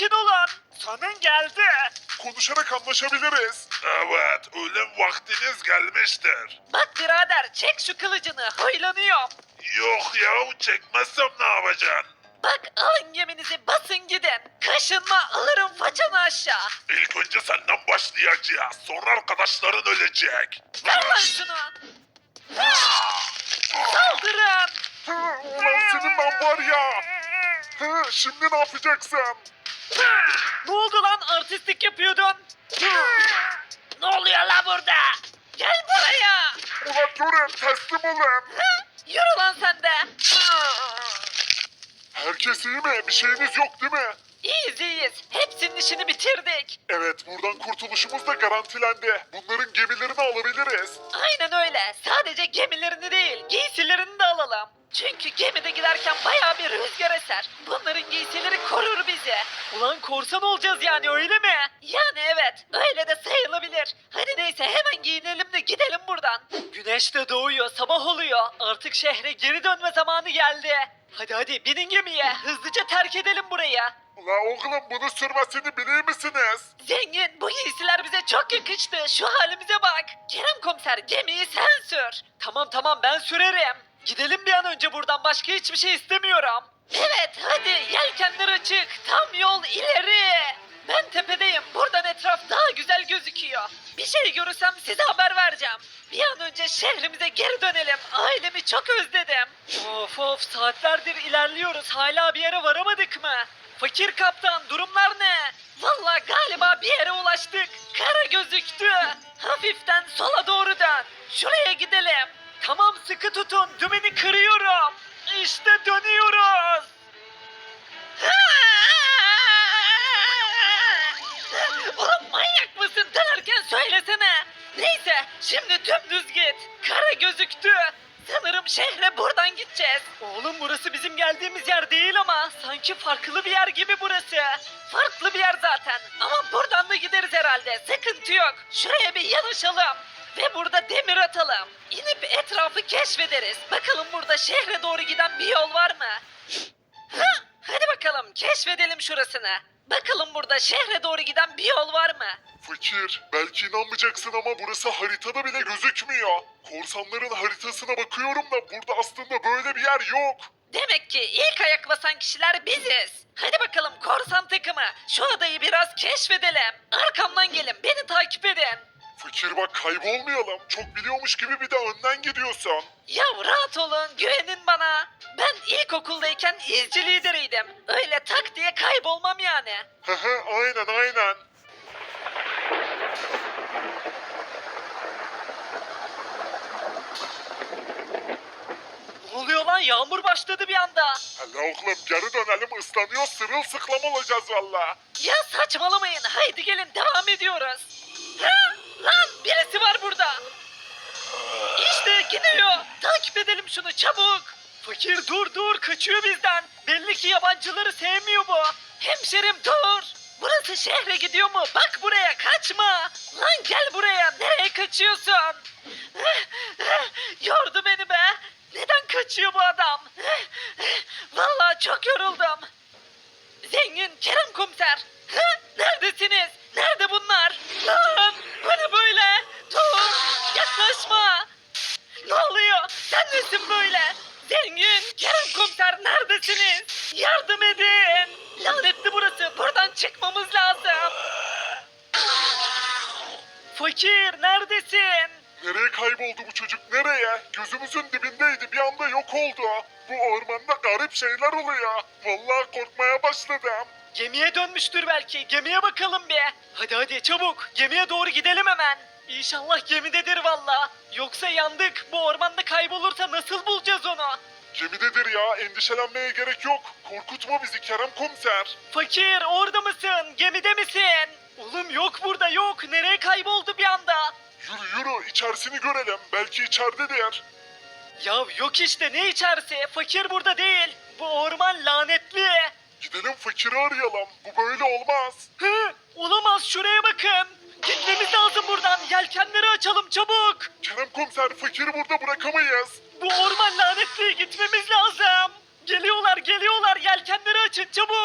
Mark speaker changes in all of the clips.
Speaker 1: sakin olun. Sonun geldi.
Speaker 2: Konuşarak anlaşabiliriz. Evet, ölüm vaktiniz gelmiştir.
Speaker 1: Bak birader çek şu kılıcını huylanıyorum.
Speaker 2: Yok ya, çekmezsem ne yapacaksın?
Speaker 1: Bak alın geminizi basın gidin. Kaşınma alırım façanı aşağı.
Speaker 2: İlk önce senden başlayacağız. Sonra arkadaşların ölecek.
Speaker 1: Ver lan şunu. Saldırın.
Speaker 2: Ulan senin ben var ya. Şimdi ne yapacaksın?
Speaker 1: Ne oldu lan artistlik yapıyordun? Ne oluyor la burada? Gel buraya.
Speaker 2: Ulan durun, teslim olun.
Speaker 1: Yürü lan sen de.
Speaker 2: Herkes iyi mi? Bir şeyiniz yok değil mi?
Speaker 1: İyiyiz iyiyiz. Hepsinin işini bitirdik.
Speaker 2: Evet, buradan kurtuluşumuz da garantilendi. Bunların gemilerini alabiliriz.
Speaker 1: Aynen öyle. Sadece gemilerini değil, giysilerini de alalım. Çünkü gemide giderken bayağı bir rüzgar eser. Bunların giysileri korur bizi. Ulan korsan olacağız yani öyle mi? Yani evet, öyle de sayılabilir. Hadi neyse hemen giyinelim de gidelim buradan. Güneş de doğuyor, sabah oluyor. Artık şehre geri dönme zamanı geldi. Hadi hadi binin gemiye, hızlıca terk edelim burayı.
Speaker 2: Ulan oğlum, bunu sürmesini bilir misiniz?
Speaker 1: Zengin bu giysiler bize çok yakıştı. Şu halimize bak. Kerem komiser gemiyi sen sür. Tamam tamam ben sürerim. Gidelim bir an önce buradan başka hiçbir şey istemiyorum. Evet hadi yelkenler açık. Tam yol ileri. Ben tepedeyim. Buradan etraf daha güzel gözüküyor. Bir şey görürsem size haber vereceğim. Bir an önce şehrimize geri dönelim. Ailemi çok özledim. Of of saatlerdir ilerliyoruz. Hala bir yere varamadık mı? Fakir kaptan durumlar ne? Vallahi galiba bir yere ulaştık. Kara gözüktü. Hafiften sola doğru dön. Şuraya gidelim. Tamam sıkı tutun. Dümeni kırıyorum. İşte dönüyoruz. Oğlum manyak mısın? Dönerken söylesene. Neyse şimdi dümdüz git. Kara gözüktü. Sanırım şehre buradan gideceğiz. Oğlum burası bizim geldiğimiz yer değil ama sanki farklı bir yer gibi burası. Farklı bir yer zaten ama buradan da gideriz herhalde. Sıkıntı yok. Şuraya bir yanaşalım. Ve burada demir atalım. İnip etrafı keşfederiz. Bakalım burada şehre doğru giden bir yol var mı? Hadi bakalım keşfedelim şurasını. Bakalım burada şehre doğru giden bir yol var mı?
Speaker 2: Fakir, belki inanmayacaksın ama burası haritada bile gözükmüyor. Korsanların haritasına bakıyorum da burada aslında böyle bir yer yok.
Speaker 1: Demek ki ilk ayak basan kişiler biziz. Hadi bakalım korsan takımı. Şu adayı biraz keşfedelim. Arkamdan gelin beni takip edin.
Speaker 2: Fakir bak, kaybolmayalım. Çok biliyormuş gibi bir de önden gidiyorsun.
Speaker 1: Ya rahat olun güvenin bana. Ben ilkokuldayken izci lideriydim. Öyle tak diye kaybolmam yani.
Speaker 2: Aynen aynen.
Speaker 1: Ne oluyor lan yağmur başladı bir anda.
Speaker 2: Hele oğlum, geri dönelim, ıslanıyor, sırılsıklam olacağız valla.
Speaker 1: Ya saçmalamayın haydi gelin devam ediyoruz. Lan birisi var burada. İşte gidiyor. Takip edelim şunu çabuk. Fakir dur dur kaçıyor bizden. Belli ki yabancıları sevmiyor bu. Hemşerim dur. Burası şehre gidiyor mu? Bak buraya kaçma. Lan gel buraya. Nereye kaçıyorsun? Yordu beni be. Neden kaçıyor bu adam? Vallahi çok yoruldum. Zengin Kerem komiser. Neredesiniz? Nerede bunlar? Lan bu ne böyle? Dur yaklaşma. Ne oluyor? Sen nesin böyle? Zengin Kerem komiser neredesiniz? Yardım edin. Lanetli burası. Buradan çıkmamız lazım. Fakir neredesin?
Speaker 2: Nereye kayboldu bu çocuk, nereye? Gözümüzün dibindeydi, bir anda yok oldu. Bu ormanda garip şeyler oluyor. Vallahi korkmaya başladım.
Speaker 1: Gemiye dönmüştür belki. Gemiye bakalım bir. Hadi hadi çabuk. Gemiye doğru gidelim hemen. İnşallah gemidedir valla. Yoksa yandık. Bu ormanda kaybolursa nasıl bulacağız onu?
Speaker 2: Gemidedir ya, endişelenmeye gerek yok. Korkutma bizi Kerem komiser.
Speaker 1: Fakir orada mısın? Gemide misin? Oğlum yok burada yok. Nereye kayboldu bir anda?
Speaker 2: Yürü yürü, içerisini görelim. Belki içeridedir.
Speaker 1: Ya yok işte ne içerisi? Fakir burada değil. Bu orman lanetli.
Speaker 2: Gidelim fakiri arayalım. Bu böyle olmaz.
Speaker 1: Olamaz şuraya bakın. Gitmemiz lazım buradan. Yelkenleri açalım çabuk.
Speaker 2: Kerem komiser, fakiri burada bırakamayız.
Speaker 1: Bu orman lanetli gitmemiz lazım. Geliyorlar geliyorlar yelkenleri açın çabuk.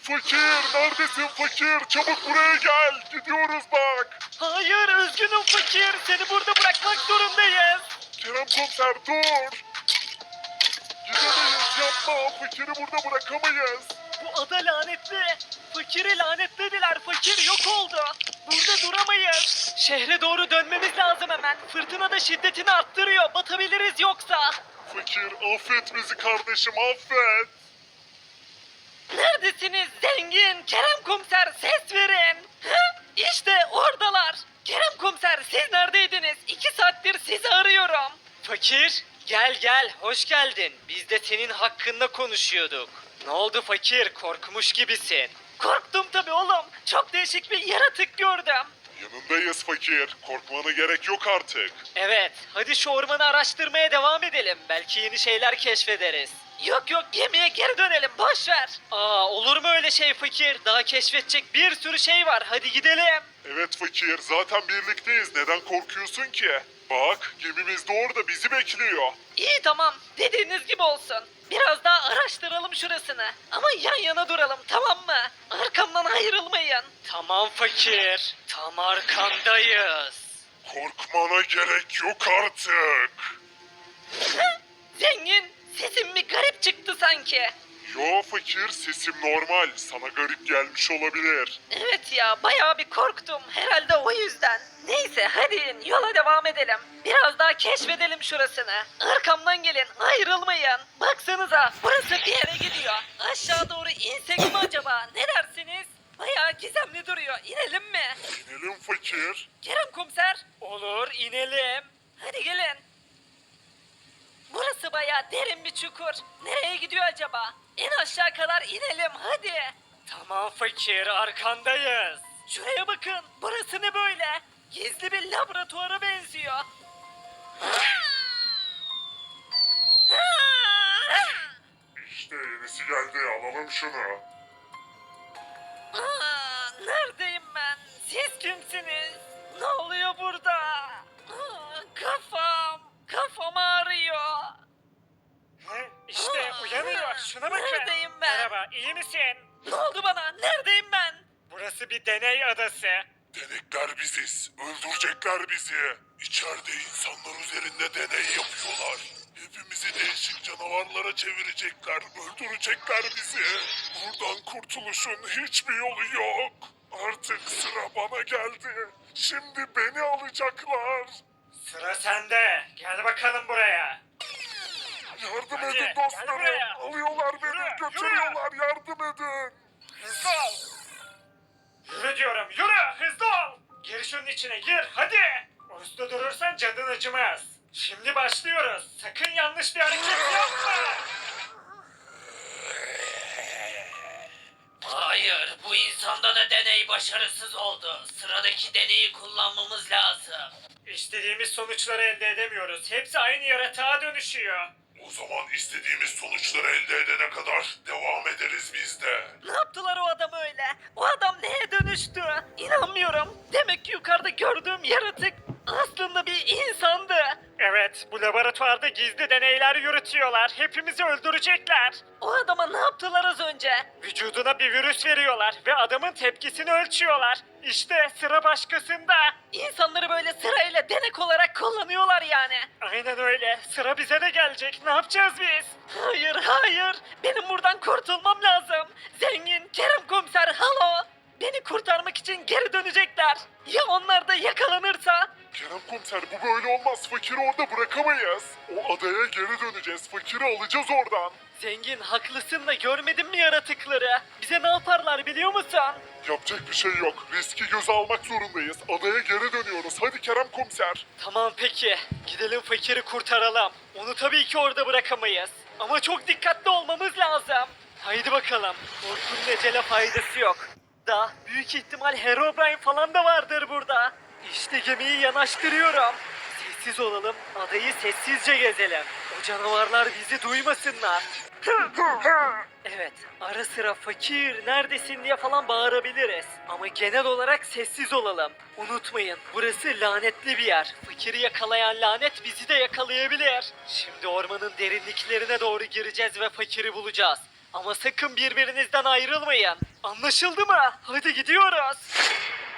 Speaker 2: Fakir neredesin fakir? Çabuk buraya gel. Gidiyoruz bak.
Speaker 1: Hayır üzgünüm fakir. Seni burada bırakmak zorundayız.
Speaker 2: Kerem komiser dur. Gidemeyiz yapma. Fakiri burada bırakamayız.
Speaker 1: Bu ada lanetli. Fakiri lanetlediler. Fakir yok oldu. Burada duramayız. Şehre doğru dönmemiz lazım hemen. Fırtına da şiddetini arttırıyor. Batabiliriz yoksa.
Speaker 2: Fakir affet bizi kardeşim affet.
Speaker 1: Neredesiniz zengin? Kerem komiser ses verin. Hı? İşte oradalar. Kerem komiser siz neredeydiniz? 2 saattir sizi arıyorum. Fakir gel gel hoş geldin. Biz de senin hakkında konuşuyorduk. Ne oldu fakir korkmuş gibisin. Korktum tabii oğlum. Çok değişik bir yaratık gördüm.
Speaker 2: Yanındayız fakir. Korkmana gerek yok artık.
Speaker 1: Evet, hadi şu ormanı araştırmaya devam edelim. Belki yeni şeyler keşfederiz. Yok yok, gemiye geri dönelim, boş ver. Aa, olur mu öyle şey fakir? Daha keşfedecek bir sürü şey var. Hadi gidelim.
Speaker 2: Evet fakir zaten birlikteyiz. Neden korkuyorsun ki? Bak gemimiz de orada bizi bekliyor.
Speaker 1: İyi tamam, dediğiniz gibi olsun. Biraz daha araştıralım şurasını. Ama yan yana duralım, tamam mı? Arkamdan ayrılmayın. Tamam fakir, tam arkandayız.
Speaker 2: Korkmana gerek yok artık.
Speaker 1: Zengin, sesim bir garip çıktı sanki.
Speaker 2: Yo fakir sesim normal. Sana garip gelmiş olabilir.
Speaker 1: Evet ya bayağı bir korktum. Herhalde o yüzden. Neyse hadi in, yola devam edelim. Biraz daha keşfedelim şurasını. Arkamdan gelin ayrılmayın. Baksanıza burası bir yere gidiyor. Aşağı doğru insek mi acaba? Ne dersiniz? Bayağı gizemli duruyor. İnelim mi?
Speaker 2: İnelim fakir.
Speaker 1: Kerem komiser. Olur inelim. Hadi gelin. Burası bayağı derin bir çukur. Nereye gidiyor acaba? En aşağı kadar inelim hadi. Tamam fakir arkandayız. Şuraya bakın. Burası ne böyle? Gizli bir laboratuvara benziyor.
Speaker 2: İşte yenisi geldi alalım şunu.
Speaker 1: Neredeyim ben? Siz kimsiniz? Ne oluyor burada? Kafam. Kafam ağrıyor.
Speaker 3: İşte uyanıyor. Şuna bakın.
Speaker 1: Neredeyim ben?
Speaker 3: Merhaba, iyi misin?
Speaker 1: Ne oldu bana? Neredeyim ben?
Speaker 3: Burası bir deney adası.
Speaker 2: Denekler biziz. Öldürecekler bizi. İçeride insanlar üzerinde deney yapıyorlar. Hepimizi değişik canavarlara çevirecekler. Öldürecekler bizi. Buradan kurtuluşun hiçbir yolu yok. Artık sıra bana geldi. Şimdi beni alacaklar.
Speaker 3: Sıra sende. Gel bakalım buraya.
Speaker 2: Yardım
Speaker 3: Hadi,
Speaker 2: edin
Speaker 3: gel
Speaker 2: dostlarım.
Speaker 3: buraya.
Speaker 2: Alıyorlar beni,
Speaker 3: Yürü,
Speaker 2: götürüyorlar. Yardım edin.
Speaker 3: Hızlı ol. Yürü diyorum, yürü. Hızlı ol. Gir şunun içine, gir. Hadi. Uslu durursan canın acımaz. Şimdi başlıyoruz. Sakın yanlış bir hareket yapma.
Speaker 1: Hayır, bu insanda da deney başarısız oldu. Sıradaki deneyi kullanmamız lazım.
Speaker 3: İstediğimiz sonuçları elde edemiyoruz. Hepsi aynı yaratığa dönüşüyor.
Speaker 2: O zaman istediğimiz sonuçları elde edene kadar devam ederiz biz de.
Speaker 1: Ne yaptılar o adam öyle? O adam neye dönüştü? İnanmıyorum. Demek ki yukarıda gördüğüm yaratık aslında bir insandı.
Speaker 3: Evet, bu laboratuvarda gizli deneyler yürütüyorlar. Hepimizi öldürecekler.
Speaker 1: O adama ne yaptılar az önce?
Speaker 3: Vücuduna bir virüs veriyorlar ve adamın tepkisini ölçüyorlar. İşte sıra başkasında.
Speaker 1: İnsanları böyle sırayla denek olarak kullanıyorlar yani.
Speaker 3: Aynen öyle. Sıra bize de gelecek. Ne yapacağız biz?
Speaker 1: Hayır hayır. Benim buradan kurtulmam lazım. Zengin, Kerem komiser, halo. Beni kurtarmak için geri dönecekler. Ya onlar da yakalanırsa?
Speaker 2: Kerem komiser bu böyle olmaz. Fakiri orada bırakamayız. O adaya geri döneceğiz. Fakiri alacağız oradan.
Speaker 1: Zengin haklısın da görmedin mi yaratıkları? Bize ne yaparlar biliyor musun?
Speaker 2: Yapacak bir şey yok. Riski göze almak zorundayız. Adaya geri dönüyoruz. Hadi Kerem komiser.
Speaker 1: Tamam peki. Gidelim fakiri kurtaralım. Onu tabii ki orada bırakamayız. Ama çok dikkatli olmamız lazım. Haydi bakalım. Korkunun ecele faydası yok. Da büyük ihtimal Herobrine falan da vardır burada. İşte gemiyi yanaştırıyorum. Sessiz olalım. Adayı sessizce gezelim. O canavarlar bizi duymasınlar. Evet, ara sıra fakir neredesin diye falan bağırabiliriz. Ama genel olarak sessiz olalım. Unutmayın, burası lanetli bir yer. Fakiri yakalayan lanet bizi de yakalayabilir. Şimdi ormanın derinliklerine doğru gireceğiz ve fakiri bulacağız. Ama sakın birbirinizden ayrılmayın. Anlaşıldı mı? Hadi gidiyoruz.